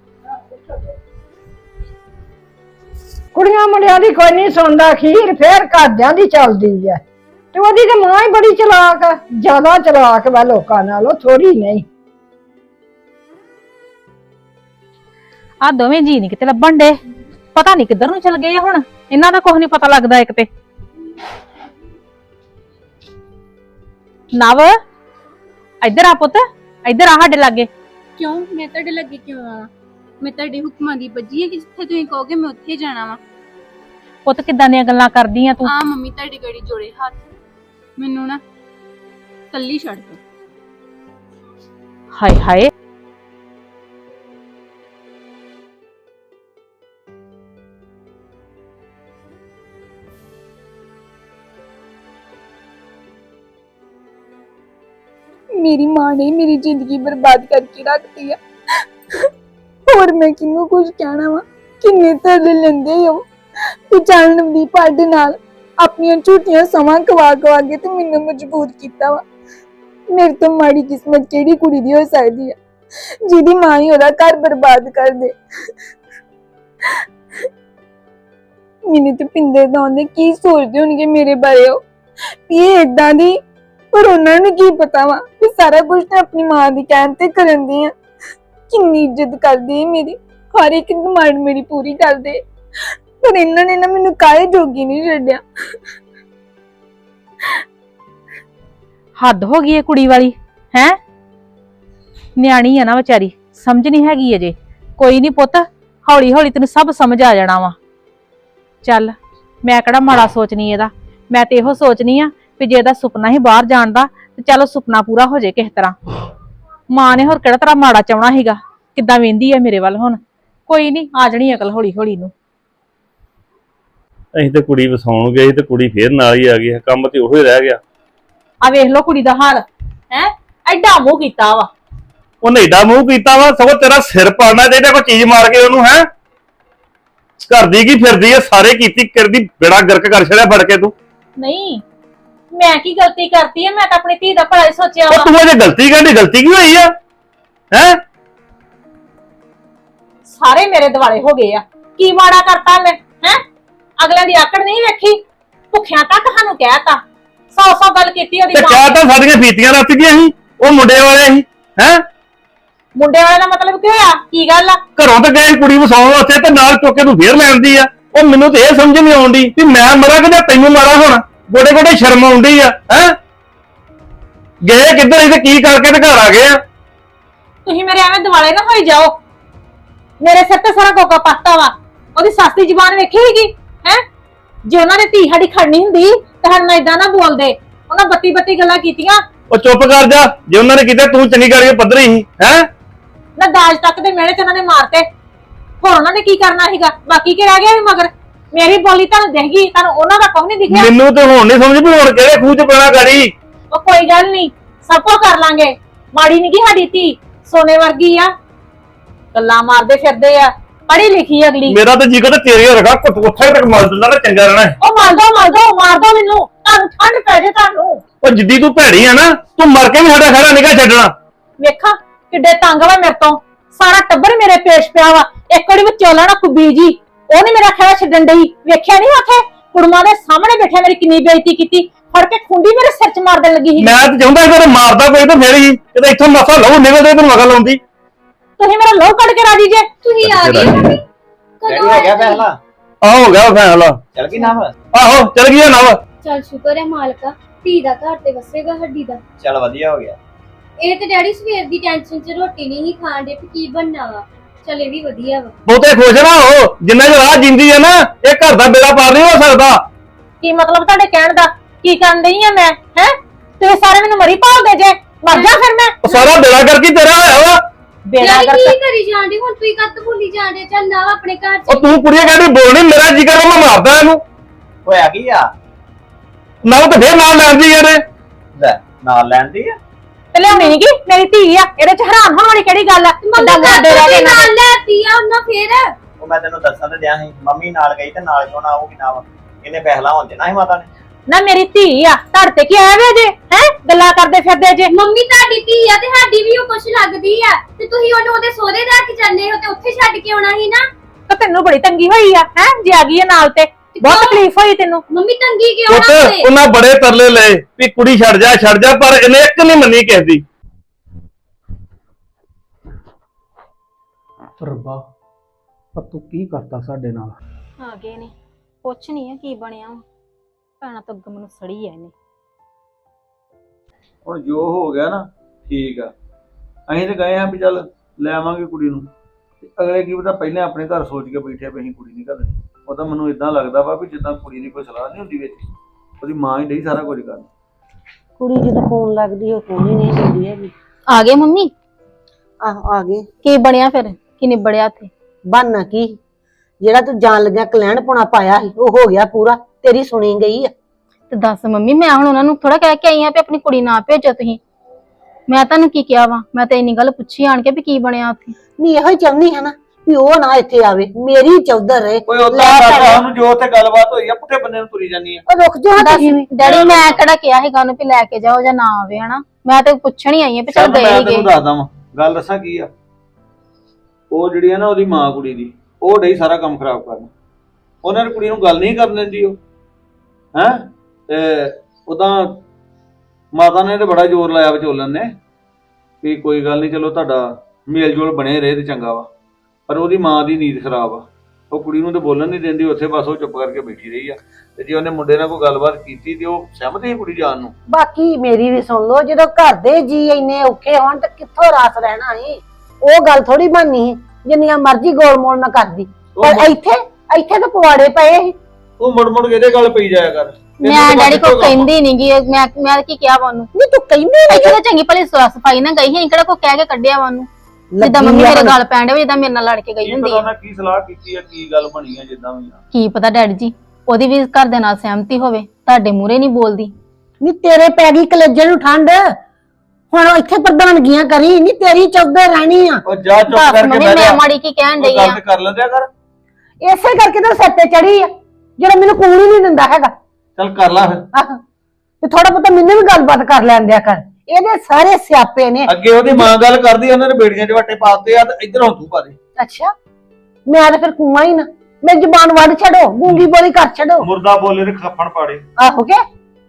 ਕੁੜੀਆਂ ਮੁੰਡਿਆਂ ਦੀ ਕੋਈ ਨਹੀਂ ਸੁਣਦਾ, ਖੀਰ ਫੇਰ ਘਰਦਿਆਂ ਦੀ ਚੱਲਦੀ ਹੈ। ਤੇ ਉਹਦੀ ਤੇ ਮਾਂ ਹੀ ਬੜੀ ਚਲਾਕ ਆ, ਜ਼ਿਆਦਾ ਚਲਾਕ ਵਾ ਲੋਕਾਂ ਨਾਲੋਂ, ਥੋੜੀ ਨਹੀਂ। ਆ ਦੋਵੇਂ ਜੀ ਨਹੀਂ ਕਿਤੇ ਲੱਭਣ ਡੇ, ਪਤਾ ਨਹੀਂ ਕਿੱਧਰ ਨੂੰ ਚਲ ਗਏ ਆ। ਹੁਣ ਇਹਨਾਂ ਦਾ ਕੁਝ ਨਹੀਂ ਪਤਾ ਲੱਗਦਾ। ਇੱਕ ਤੇ ਨਵ, ਇੱਧਰ ਆ ਪੁੱਤ, ਇੱਧਰ ਆ ਸਾਡੇ ਲਾਗੇ। ਕਿਉਂ? ਮੈਂ ਤੁਹਾਡੇ ਲੱਗੇ ਕਿਉਂ ਆਵਾਂ? ਮੈਂ ਤੁਹਾਡੇ ਹੁਕਮਾਂ ਦੀ ਬੱਜੀ ਹੈ ਕਿ ਜਿੱਥੇ ਤੁਸੀਂ ਕਹੋਗੇ ਮੈਂ ਉੱਥੇ ਜਾਣਾ ਵਾ। ਪੁੱਤ ਕਿੱਦਾਂ ਦੀਆਂ ਗੱਲਾਂ ਕਰਦੀ ਆ ਤੂੰ? ਆ ਮੰਮੀ ਤੁਹਾਡੀ ਗੜੀ ਜੋੜੇ ਹੱਥ, ਮੈਨੂੰ ਨਾ ਕੱਲੀ ਛੱਡ ਦੋ। ਹਾਏ ਹਾਏ ਮੇਰੀ ਮਾਂ ਨੇ ਮੇਰੀ ਜ਼ਿੰਦਗੀ ਬਰਬਾਦ ਕਰਕੇ ਰੱਖਤੀ ਆ। ਹੋਰ ਮੈਂ ਕਿਹਨੂੰ ਕੁਝ ਕਹਿਣਾ ਵਾ? ਕਿੰਨੇ ਤਰਲੇ ਲੈਂਦੇ ਹੋ ਤੇ ਚੱਲ ਨਵਦੀਪ ਸਾਡੇ ਨਾਲ ਆਪਣੀਆਂ ਝੂਠੀਆਂ ਸਮਾਂ ਕਵਾ ਕਵਾ ਕੇ ਤੇ ਮੈਨੂੰ ਮਜਬੂਰ ਕੀਤਾ ਵਾ। ਮੇਰੇ ਤੋਂ ਮਾੜੀ ਕਿਸਮਤ ਕਿਹੜੀ ਕੁੜੀ ਦੀ ਹੋ ਸਕਦੀ ਆ ਜਿਹਦੀ ਮਾਂ ਹੀ ਉਹਦਾ ਘਰ ਬਰਬਾਦ ਕਰ ਦੇ। ਮੈਨੂੰ ਤੇ ਪਿੰਦੇ ਦਾ ਉਹਨੇ ਕੀ ਸੋਚਦੇ ਹੋਣਗੇ ਮੇਰੇ ਬਾਰੇ ਉਹ ਵੀ ਇਹ ਏਦਾਂ ਦੀ, ਪਰ ਉਹਨਾਂ ਨੂੰ ਕੀ ਪਤਾ ਵਾ ਕਿ ਸਾਰਾ ਕੁਝ ਤਾਂ ਆਪਣੀ ਮਾਂ ਦੀ ਕਹਿਣ ਤੇ ਕਰਨ ਦੀ ਆ। ਕਿੰਨੀ ਇੱਜ਼ਤ ਕਰਦੇ ਆ ਮੇਰੀ, ਹਰ ਇੱਕ ਡਿਮਾਂਡ ਮੇਰੀ ਪੂਰੀ ਕਰਦੇ, ਪਰ ਇਹਨਾਂ ਨੇ ਨਾ ਮੈਨੂੰ ਕਾਹੇ ਜੋਗੀ ਨਹੀਂ ਛੱਡਿਆ। ਹੱਦ ਹੋ ਗਈ ਏ ਕੁੜੀ ਵਾਲੀ ਹੈ। ਨਿਆਣੀ ਆ ਨਾ ਵਿਚਾਰੀ, ਸਮਝ ਨਹੀਂ ਹੈਗੀ ਅਜੇ। ਕੋਈ ਨਹੀਂ ਪੁੱਤ, ਹੌਲੀ ਹੌਲੀ ਤੈਨੂੰ ਸਭ ਸਮਝ ਆ ਜਾਣਾ ਵਾ। ਚੱਲ ਮੈਂ ਕਿਹੜਾ ਮਾੜਾ ਸੋਚਣੀ ਇਹਦਾ, ਮੈਂ ਤੇ ਇਹੋ ਸੋਚਣੀ ਆ ਵੀ ਜੇ ਇਹਦਾ ਸੁਪਨਾ ਹੀ ਬਾਹਰ ਜਾਣ ਦਾ ਤੇ ਚਲੋ ਸੁਪਨਾ ਪੂਰਾ ਹੋ ਜਾਏ ਕਿਸੇ ਤਰ੍ਹਾਂ। ਮਾਂ ਨੇ ਹੋਰ ਕਿਹੜਾ ਤਰ੍ਹਾਂ ਮਾੜਾ ਚਾਹਣਾ ਸੀਗਾ। ਕਿੱਦਾਂ ਵੇਂਦੀ ਆ ਮੇਰੇ ਵੱਲ ਹੁਣ। ਕੋਈ ਨਹੀਂ, ਆ ਜਾਣੀ ਅਕਲ ਹੌਲੀ ਹੌਲੀ ਨੂੰ। ਅਸੀਂ ਤੇ ਕੁੜੀ ਵਸਾਉਣ ਗਏ ਤੇ ਕੁੜੀ ਫੇਰ ਨਾਲ ਹੀ ਆ ਗਈ, ਕੰਮ ਤੇ ਉਹੀ ਰਹਿ ਗਿਆ। ਆ ਵੇਖ ਲੋ ਕੁੜੀ ਦਾ ਹਾਲ ਹੈ, ਐਡਾ ਮੂੰਹ ਕੀਤਾ ਵਾ। ਉਹਨੇ ਏਡਾ ਮੂੰਹ ਕੀਤਾ ਵਾ, ਸਗੋਂ ਤੇਰਾ ਸਿਰ ਪਾੜਨਾ ਚਾਹੀਦਾ ਕੋਈ ਚੀਜ਼ ਮਾਰ ਕੇ ਉਹਨੂੰ। ਹੈ ਕਰਦੀ ਕੀ ਫਿਰਦੀ ਆ, ਸਾਰੇ ਕੀਤੀ ਕਰਦੀ ਬੇੜਾ ਗਰਕ ਕਰ ਛੜਿਆ ਫੜ ਕੇ ਤੂੰ। ਨਹੀਂ ਮੈਂ ਕੀ ਗਲਤੀ ਕਰਤੀ ਹੈ? ਮੈਂ ਤਾਂ ਆਪਣੀ ਧੀ ਦਾ ਭਲਾ ਹੀ ਸੋਚਿਆ ਵਾ। ਉਹ ਤੂੰ ਅਜੇ ਗਲਤੀ ਕਹਿੰਦੀ, ਗਲਤੀ ਕੀ ਹੋਈ ਆ? ਹੈ ਸਾਰੇ ਮੇਰੇ ਦਿਵਾਲੇ ਹੋ ਗਏ ਆ। ਕੀ ਮਾੜਾ ਕਰਤਾ ਮੈਂ? ਹੈ ਅਗਲੇ ਦੀ ਆਕੜ ਨਹੀਂ ਵੇਖੀ, ਭੁੱਖਿਆਂ ਤੱਕ ਸਾਨੂੰ ਕਹਿਤਾ, ਸੌ ਸੌ ਗੱਲ ਕੀਤੀ ਉਹਦੀ ਤੇ ਮਾਂ ਚਾਹ ਨੇ। ਤਾਂ ਸਾਡੀਆਂ ਫੀਤੀਆਂ ਰੱਤ ਗਈਆਂ ਸੀ, ਉਹ ਮੁੰਡੇ ਵਾਲੇ ਸੀ। ਹੈ ਮੁੰਡੇ ਵਾਲੇ ਦਾ ਮਤਲਬ ਕੀ ਹੋਇਆ? ਕੀ ਗੱਲ ਆ? ਘਰੋਂ ਤਾਂ ਗਏ ਕੁੜੀ ਵਸਾਉਣ ਵਾਸਤੇ ਤੇ ਨਾਲ ਚੁੱਕ ਕੇ ਤੂੰ ਫੇਰ ਲੈਂਦੀ ਆ। ਉਹ ਮੈਨੂੰ ਤੇ ਇਹ ਸਮਝ ਨਹੀਂ ਆਉਂਦੀ ਕਿ ਮੈਂ ਮਰਾਂ ਕਿ ਜਾਂ ਤੈਨੂੰ ਮਾਰਾਂ ਹੁਣ। ਗੋਡੇ ਗੋਡੇ ਸ਼ਰਮ ਆਉਂਦੀ ਆ। ਹੈ ਗਏ ਕਿੱਧਰ ਸੀ ਤੇ ਕੀ ਕਰਕੇ ਤੇ ਘਰ ਆ ਗਏ ਆ? ਤੁਸੀਂ ਮੇਰੇ ਐਵੇਂ ਦਿਵਾਲੇ ਨਾ ਹੋਈ ਜਾਓ। ਮੇਰੇ ਸਿਰ ਤੇ ਸਾਰਾ ਕੋਕਾ ਪਾਤਾ ਵਾ। ਉਹਦੀ ਸੱਸ ਦੀ ਜ਼ੁਬਾਨ ਵੇਖੀ ਸੀਗੀ ਹੈ। ਜੇ ਉਹਨਾਂ ਨੇ ਧੀ ਸਾਡੀ ਖੜਨੀ ਹੁੰਦੀ ਤਾਂ ਹੁਣ ਮੈਂ ਇਦਾਂ ਨਾ ਬੋਲਦੇ। ਉਹਨਾਂ ਬੱਤੀ ਬੱਤੀ ਗੱਲਾਂ ਕੀਤੀਆਂ। ਉਹ ਚੁੱਪ ਕਰ ਜਾ, ਜੇ ਉਹਨਾਂ ਨੇ ਕਿਤੇ ਤੂੰ ਚੰਗੀ ਕਰਕੇ ਪੱਧਰੀ ਸੀ। ਹੈ ਨਾ ਦਾਜ ਤੱਕ ਦੇ ਮਿਹਣੇ ਚ ਉਹਨਾਂ ਨੇ ਮਾਰਤੇ। ਹੋਰ ਉਹਨਾਂ ਨੇ ਕੀ ਕਰਨਾ ਸੀਗਾ? ਬਾਕੀ ਕੀ ਰਹਿ ਗਿਆ ਵੀ ਮਗਰ? ਮੇਰੀ ਬੋਲੀ ਤੁਹਾਨੂੰ ਦਿਖ ਗਈ, ਤੁਹਾਨੂੰ ਉਹਨਾਂ ਦਾ ਕੁਝ ਨਹੀਂ ਦਿਖਿਆ। ਮੈਨੂੰ ਤੇ ਹੁਣ ਨਹੀਂ ਸਮਝ ਵੀ ਹੁਣ ਕਿਹੜੇ ਖੂਹ ਚ ਪੈਣਾ ਗਾੜੀ। ਉਹ ਕੋਈ ਗੱਲ ਨਹੀਂ, ਸਭ ਕੁਝ ਕਰ ਲਾਂਗੇ। ਮਾੜੀ ਨਹੀਂ ਗੀ ਸਾਡੀ ਧੀ, ਸੋਨੇ ਵਰਗੀ ਆ। ਗੱਲਾਂ ਮਾਰਦੇ ਫਿਰਦੇ ਆ, ਪੜ੍ਹੀ ਲਿਖੀ ਅਗਲੀ। ਮੇਰਾ ਤਾਂ ਜੀ ਕਰਦਾ ਤੇਰੇ ਰਗਾ ਉੱਥੇ ਤੱਕ ਮਰ ਦਿੰਦਾ ਨਾ, ਚੰਗਾ ਰਹਿਣਾ। ਉਹ ਮਾਰ ਦੋ ਮਾਰ ਦੋ ਮਾਰ ਦੋ ਮੈਨੂੰ, ਤੁਹਾਨੂੰ ਠੰਡ ਪੈ ਜੇ ਤੁਹਾਨੂੰ। ਉਹ ਜਿੱਦੀ ਤੂੰ ਭੈੜੀ ਆ ਨਾ, ਤੂੰ ਮਰ ਕੇ ਵੀ ਸਾਡਾ ਖੜਾ ਨਿਕਾ ਛੱਡਣਾ। ਵੇਖਾਂ ਕਿੱਡੇ ਤੰਗ ਵਾ ਮੇਰੇ ਤੋਂ। ਸਾਰਾ ਟੱਬਰ ਮੇਰੇ ਪੇਸ਼ ਪਿਆ ਵਾ। ਇੱਕ ਵਾਰੀ ਵਿਚੋਲਾ ਨਾ ਕੁੱਬੀ ਜੀ, ਉਹ ਨੀ ਮੇਰਾ ਖੜਾ ਛੱਡਣ ਡਈ। ਵੇਖਿਆ ਨਹੀਂ ਉੱਥੇ ਕੁੜਮਾਂ ਦੇ ਸਾਹਮਣੇ ਬੈਠਿਆ ਮੇਰੀ ਕਿੰਨੀ ਬੇਇੱਜ਼ਤੀ ਕੀਤੀ। ਫੜ ਕੇ ਖੁੰਡੀ ਮੇਰੇ ਸਿਰ 'ਚ ਮਾਰ ਦੇਣ ਲੱਗੀ ਸੀ। ਮੈਂ ਤਾਂ ਚਾਹੁੰਦਾ ਕਿ ਮਾਰਦਾ ਕੋਈ ਤਾਂ ਫੇਰ ਹੀ ਕਿਤੇ ਇੱਥੋਂ ਮਸਾ ਲਹੂ ਨਿਕਲਦੇ ਤੈਨੂੰ ਅਕਲ ਆਉਂਦੀ। ਤੁਸੀਂ ਮੇਰਾ ਲੋਹ ਕੱਢ ਕੇ ਰਾਜੀ ਜੇ। ਤੁਸੀਂ ਆ ਗਏ ਮੰਮੀ? ਕਦੋਂ ਹੋ ਗਿਆ ਆਏ? ਫੈਸਲਾ? ਆ ਹੋ ਗਿਆ ਫੈਸਲਾ। ਚੱਲ ਗਈ ਨਾ ਵਾ? ਆਹੋ ਚਲ ਗਿਆ ਨਾ ਵਾ। ਚੱਲ ਸ਼ੁਕਰ ਹੈ ਮਾਲਕਾ, ਧੀ ਦਾ ਘਰ ਤੇ ਵਸੇਗਾ ਹੱਡੀ ਦਾ। ਚੱਲ ਵਧੀਆ ਹੋ ਗਿਆ। ਇਹ ਤੇ ਡੈਡੀ ਸਵੇਰ ਦੀ ਟੈਨਸ਼ਨ 'ਚ ਰੋਟੀ ਨਹੀਂ ਹੀ ਖਾਣ ਦੇ ਕਿ ਕੀ ਬਣਨਾ ਵਾ। ਚੱਲ ਇਹ ਵੀ ਵਧੀਆ ਵਾ। ਬਹੁਤੇ ਖੁਸ਼ ਨਾ ਹੋ, ਜਿੰਨਾ ਚਿਰ ਰਾਹ ਜਿੰਦੀ ਹੈ ਨਾ, ਇਹ ਘਰ ਦਾ ਬੇੜਾ ਪਾਰ ਨਹੀਂ ਹੋ ਸਕਦਾ। ਕੀ ਮਤਲਬ ਤੁਹਾਡੇ ਕਹਿਣ ਦਾ? ਕੀ ਕਰਨ ਡਈ ਆ ਮੈਂ? ਹੈ ਤੁਸੀਂ ਸਾਰੇ ਮੈਨੂੰ ਮਰੀ ਭਾਲਦੇ ਜੇ। ਮਰ ਜਾ ਫਿਰ ਮੈਂ। ਉਹ ਸਾਰਾ ਬੇੜਾ ਕਰਕੇ ਤੇਰਾ ਹੋਇਆ ਵਾ। ਬੇੜਾ ਡੈਡੀ ਕਰ ਕੀ ਕਰੀ ਜਾਂਦੇ ਹੁਣ? ਤੁਸੀਂ ਕੱਤ ਭੁੱਲੀ ਜਾਂਦੇ? ਚੱਲ ਨਾ ਆਪਣੇ ਘਰ 'ਚ। ਉਹ ਤੂੰ ਕੁੜੀਆਂ ਕਹਿੰਦੀ ਬੋਲਣੀ, ਮੇਰਾ ਜੀ ਕਰਦਾ ਮੈਂ ਮਾਰਦਾ ਇਹਨੂੰ। ਹੋਇਆ ਕੀ ਆ? ਨਾ ਉਹ ਤੇ ਫੇਰ ਨਾਲ ਲੈਂਦੀ ਯਾਰ। ਲੈ ਨਾਲ ਲੈਂਦੀ ਆ। ਤੇ ਲਿਆਉਣੀ ਨੀ ਗੀ, ਮੇਰੀ ਧੀ ਆ। ਇਹਦੇ 'ਚ ਹੈਰਾਨ ਹੋਣ ਵਾਲੀ ਕਿਹੜੀ ਗੱਲ ਆ? ਮੰਮੀ ਏਦਾਂ ਕੱਤ ਮਰਦੇ ਰਹਿ ਗਏ ਵੀ ਇਹਨਾਂ ਦੇ। ਨਾਲ ਲੈਤੀ ਆ ਉਹਨਾਂ ਫੇਰ। ਉਹ ਮੈਂ ਤੈਨੂੰ ਦੱਸਾਂ ਤੇ ਦਿਆਂ ਸੀ, ਮੰਮੀ ਨਾਲ ਗਈ ਤੇ ਨਾਲ ਕਿਉਂ ਨਾ ਆਊਗੀ ਨਾ ਵਾ। ਇਹਨੇ ਫੈਸਲਾ ਹੋਣ ਦੇਣਾ ਸੀ ਮਾਤਾ ਨੇ। ਨਾ ਮੇਰੀ ਧੀ ਆ, ਧੜ ਤੇ ਕੀ ਆਇਆ ਵੇ ਜੇ? ਹੈ ਗੱਲਾਂ ਕਰਦੇ ਫਿਰਦੇ ਜੇ। ਮੰਮੀ ਤੁਹਾਡੀ ਧੀ ਆ ਤੇ ਸਾਡੀ ਵੀ ਉਹ ਕੁਛ ਲੱਗਦੀ ਆ, ਤੇ ਤੁਸੀਂ ਉਹਨੂੰ ਉਹਦੇ ਸਹੁਰੇ ਦਾ ਕੇ ਜਾਂਦੇ ਹੋ ਤੇ ਉੱਥੇ ਛੱਡ ਕੇ ਆਉਣਾ ਸੀ ਨਾ। ਤਾਂ ਤੈਨੂੰ ਬੜੀ ਤੰਗੀ ਹੋਈ ਆ ਹੈ ਜੇ ਆ ਗਈ ਆ ਨਾਲ ਤੇ। ਬਹੁਤ ਤਕਲੀਫ ਹੋਈ ਤੈਨੂੰ। ਮੰਮੀ ਤੰਗੀ ਕਿਉਂ ਪੁੱਤ ਨਾ ਹੋਵੇ? ਉਹਨਾਂ ਬੜੇ ਤਰਲੇ ਲਏ ਵੀ ਕੁੜੀ ਛੱਡ ਜਾ ਛੱਡ ਜਾ, ਪਰ ਇਹਨੇ ਇੱਕ ਨਹੀਂ ਮੰਨੀ ਕਿਸੇ ਦੀ। ਰੱਬਾ ਪਰ ਤੂੰ ਕੀ ਕਰਤਾ ਸਾਡੇ ਨਾਲ। ਆ ਗਏ ਨੇ, ਕੁਛ ਨਹੀਂ ਆ ਕੀ ਬਣਿਆ ਭੈਣਾ ਤਾਂ ਅੱਗ ਮੈਨੂੰ ਸੜੀ ਐ ਇਹਨੇ। ਹੁਣ ਜੋ ਹੋ ਗਿਆ ਨਾ ਠੀਕ ਆ। ਅਸੀਂ ਤੇ ਗਏ ਆ ਵੀ ਚੱਲ ਲੈ ਆਵਾਂਗੇ ਕੁੜੀ ਨੂੰ, ਤੇ ਅਗਲੇ ਕੀ ਪਤਾ ਪਹਿਲਾਂ ਆਪਣੇ ਘਰ ਸੋਚ ਕੇ ਬੈਠੇ ਵੀ ਅਸੀਂ ਕੁੜੀ ਨਹੀਂ ਕਰਨੀ। ਉਹ ਤਾਂ ਮੈਨੂੰ ਇਦਾਂ ਲੱਗਦਾ ਵਾ ਵੀ ਜਿੱਦਾਂ ਕੁੜੀ ਦੀ ਕੋਈ ਸਲਾਹ ਨਹੀਂ ਹੁੰਦੀ ਵਿੱਚ, ਉਹਦੀ ਮਾਂ ਹੀ ਡਈ ਸਾਰਾ ਕੁਝ ਕਰਨ। ਕੁੜੀ ਜਦੋਂ ਫੋਨ ਲੱਗਦੀ ਉਹ ਫੋਨ ਹੀ ਨਹੀਂ ਦਿੰਦੀ ਹੈਗੀ। ਆ ਗਏ ਮੰਮੀ? ਆਹ ਆ ਗਏ। ਕੀ ਬਣਿਆ ਫਿਰ? ਕੀ ਨਿਬੜਿਆ ਉੱਥੇ? ਬਣਨਾ ਕੀ, ਜਿਹੜਾ ਤੂੰ ਜਾਣ ਲੱਗਿਆ ਕਲੈਣ ਪੁਣਾ ਪਾਇਆ ਸੀ ਉਹ ਹੋ ਗਿਆ ਪੂਰਾ, ਤੇਰੀ ਸੁਣੀ ਗਈ ਆ। ਤੇ ਦੱਸ ਮੰਮੀ, ਮੈਂ ਹੁਣ ਉਹਨਾਂ ਨੂੰ ਥੋੜਾ ਕਹਿ ਕੇ ਆਈ ਆ ਵੀ ਆਪਣੀ ਕੁੜੀ ਨਾ ਭੇਜੋ ਤੁਸੀਂ। ਮੈਂ ਤੁਹਾਨੂੰ ਕੀ ਕਿਹਾ ਵਾ? ਮੈਂ ਤਾਂ ਇੰਨੀ ਗੱਲ ਪੁੱਛੀ ਆਣ ਕੇ ਵੀ ਕੀ ਬਣਿਆ ਉੱਥੇ। ਨਹੀਂ ਇਹੋ ਹੀ ਚਾਹੁੰਦੀ ਹੈ ਨਾ ਵੀ ਉਹ ਨਾ ਇੱਥੇ ਆਵੇ, ਮੇਰੀ ਚੌਧਰ ਰਹੇ। ਕੋਈ ਉਦਾਂ ਕਰਦਾ ਉਹਨੂੰ ਜੋ ਉੱਥੇ ਗੱਲਬਾਤ ਹੋਈ ਆ ਪੁੱਠੇ ਬੰਨੇ ਨੂੰ ਤੁਰੀ ਜਾਂਦੀ ਆ। ਉਹ ਰੁਕ ਜਾ ਤੁਸੀਂ ਵੀ। ਡੈਡੀ ਮੈਂ ਕਿਹੜਾ ਕਿਹਾ ਸੀਗਾ ਉਹਨੂੰ ਵੀ ਲੈ ਕੇ ਜਾਓ ਜਾਂ ਨਾ ਆਵੇ, ਹਨਾ? ਮੈਂ ਤਾਂ ਪੁੱਛਣ ਹੀ ਆਈ ਆ ਵੀ ਚੱਲ ਚੱਲ ਗਏ ਮੈਂ ਹੀ ਗਏ। ਤੈਨੂੰ ਦੱਸਦਾ ਵਾਂ ਗੱਲ, ਦੱਸਾਂ ਕੀ ਆ। ਉਹ ਜਿਹੜੀ ਆ ਨਾ ਉਹਦੀ ਮਾਂ ਕੁੜੀ ਦੀ, ਉਹ ਡਈ ਸਾਰਾ ਕੰਮ ਖਰਾਬ ਕਰਨ। ਉਹਨਾਂ ਨੇ ਕੁੜੀ ਨੂੰ ਗੱਲ ਨਹੀਂ ਕਰਨ ਦਿੰਦੀ ਉਹ, ਹੈਂ। ਤੇ ਉਦਾਂ ਮਾਤਾ ਨੇ ਤੇ ਬੜਾ ਜ਼ੋਰ ਲਾਇਆ ਵਿਚੋਲਨ ਨੇ ਵੀ ਕੋਈ ਗੱਲ ਨਹੀਂ, ਚਲੋ ਤੁਹਾਡਾ ਮੇਲ ਜੋਲ ਬਣੇ ਰਹੇ ਤੇ ਚੰਗਾ ਵਾ। ਪਰ ਉਹਦੀ ਮਾਂ ਦੀ ਨੀਂਦ ਖਰਾਬ ਆ, ਉਹ ਕੁੜੀ ਨੂੰ ਤੇ ਬੋਲਣ ਨਹੀਂ ਦਿੰਦੀ ਉੱਥੇ, ਬਸ ਉਹ ਚੁੱਪ ਕਰਕੇ ਬੈਠੀ ਰਹੀ ਆ। ਤੇ ਜੇ ਉਹਨੇ ਮੁੰਡੇ ਨਾਲ ਕੋਈ ਗੱਲਬਾਤ ਕੀਤੀ ਤੇ ਉਹ ਸਹਿਮਤ ਸੀ ਕੁੜੀ ਜਾਣ ਨੂੰ। ਬਾਕੀ ਮੇਰੀ ਵੀ ਸੁਣ ਲਓ, ਜਦੋਂ ਘਰ ਦੇ ਜੀ ਇੰਨੇ ਔਖੇ ਹੋਣ ਤੇ ਕਿੱਥੋਂ ਰਾਸ ਰਹਿਣਾ ਸੀ। ਉਹ ਗੱਲ ਥੋੜੀ ਬਣਨੀ ਸੀ ਜਿੰਨੀਆਂ ਮਰਜ਼ੀ ਗੋਲ ਮੋਲ ਨਾ ਕਰਦੀ, ਪਰ ਇੱਥੇ ਇੱਥੇ ਤਾਂ ਪਵਾੜੇ ਪਏ ਸੀ। ਉਹ ਮੁੜ ਮੁੜ ਕੇ ਇਹਦੇ ਗੱਲ ਪਈ ਜਾਇਆ ਕਰ। ਮੈਂ ਡੈਡੀ ਕੋ ਕਹਿੰਦੀ ਨੀ ਗੀ, ਮੈਂ ਮੈਂ ਕੀ ਕਿਹਾ ਵਾ ਉਹਨੂੰ? ਨਹੀਂ ਤੂੰ ਕਹਿੰਦੀ ਇੱਥੇ ਤਾਂ ਚੰਗੀ ਭਲੀ ਸਫਾਈ ਨਾ ਗਈ ਸੀ, ਕਿਹੜਾ ਕੋ ਕਹਿ ਕੇ ਕੱਢਿਆ ਵਾ ਉਹਨੂੰ? ਜਿੱਦਾਂ ਮੰਮੀ ਮੇਰੇ ਗੱਲ ਪੈਣ ਡੇ, ਜਿੱਦਾਂ ਮੇਰੇ ਨਾਲ ਲੜ ਕੇ ਗਈ ਹੁੰਦੀ ਆ। ਕੀ ਸਲਾਹ ਕੀਤੀ ਆ, ਕੀ ਗੱਲ ਬਣੀ ਆ, ਜਿੱਦਾਂ ਵੀ ਆ। ਕੀ ਪਤਾ ਡੈਡੀ ਜੀ, ਉਹਦੀ ਵੀ ਘਰ ਦੇ ਨਾਲ ਸਹਿਮਤੀ ਹੋਵੇ, ਤੁਹਾਡੇ ਮੂਹਰੇ ਨਹੀਂ ਬੋਲਦੀ। ਨਹੀਂ ਤੇਰੇ ਪੈ ਗਈ ਕਲੇਜੇ ਨੂੰ ਠੰਡ, ਹੁਣ ਇੱਥੇ ਪ੍ਰਧਾਨਗੀਆਂ ਕਰੀ ਨਹੀਂ, ਤੇਰੀ ਚੌਧਰ ਰਹਿਣੀ ਆ। ਉਹ ਜਾ ਚੁੱਪ ਦੱਸ ਕਰਕੇ ਮੰਮੀ, ਬਹਿ ਮੈਂ ਜਾ। ਮਾੜੀ ਕੀ ਕਹਿਣ ਡਈ ਆ? ਗੱਲ ਤੇ ਕਰ ਲੈਂਦਿਆ ਕਰ। ਇਸੇ ਕਰਕੇ ਤਾਂ ਸਿਰ ਤੇ ਚੜੀ ਆ, ਜਿਹੜਾ ਮੈਨੂੰ ਕੂਣ ਹੀ ਨਹੀਂ ਦਿੰਦਾ ਹੈਗਾ। ਚੱਲ ਕਰ ਲਾ ਫਿਰ। ਆਹ ਤੇ ਥੋੜਾ ਬਹੁਤਾ ਮੈਨੂੰ ਵੀ ਗੱਲਬਾਤ ਕਰ ਲੈਣ ਦਿਆ ਕਰ। ਇਹਦੇ ਸਾਰੇ ਸਿਆਪੇ ਨੇ। ਅੱਗੇ ਉਹਦੀ ਮਾਂ ਗੱਲ ਕਰਦੀ, ਉਹਨਾਂ ਨੇ ਬੇੜੀਆਂ 'ਚ ਵੱਟੇ ਪਾਤੇ ਆ ਤੇ ਇੱਧਰੋਂ ਤੂੰ ਪਾ ਦੇ। ਅੱਛਾ ਮੈਂ ਤਾਂ ਫਿਰ ਕੂਆਂ ਹੀ ਨਾ, ਮੇਰੀ ਜ਼ੁਬਾਨ ਵੱਢ ਛੱਡੋ, ਗੂੰਗੀ ਬੋਲੀ ਕਰ ਛੱਡੋ। ਮੁਰਦਾ ਬੋਲੇ ਤੇ ਖੱਫਣ ਪਾੜੇ। ਆਹੋ ਕੇ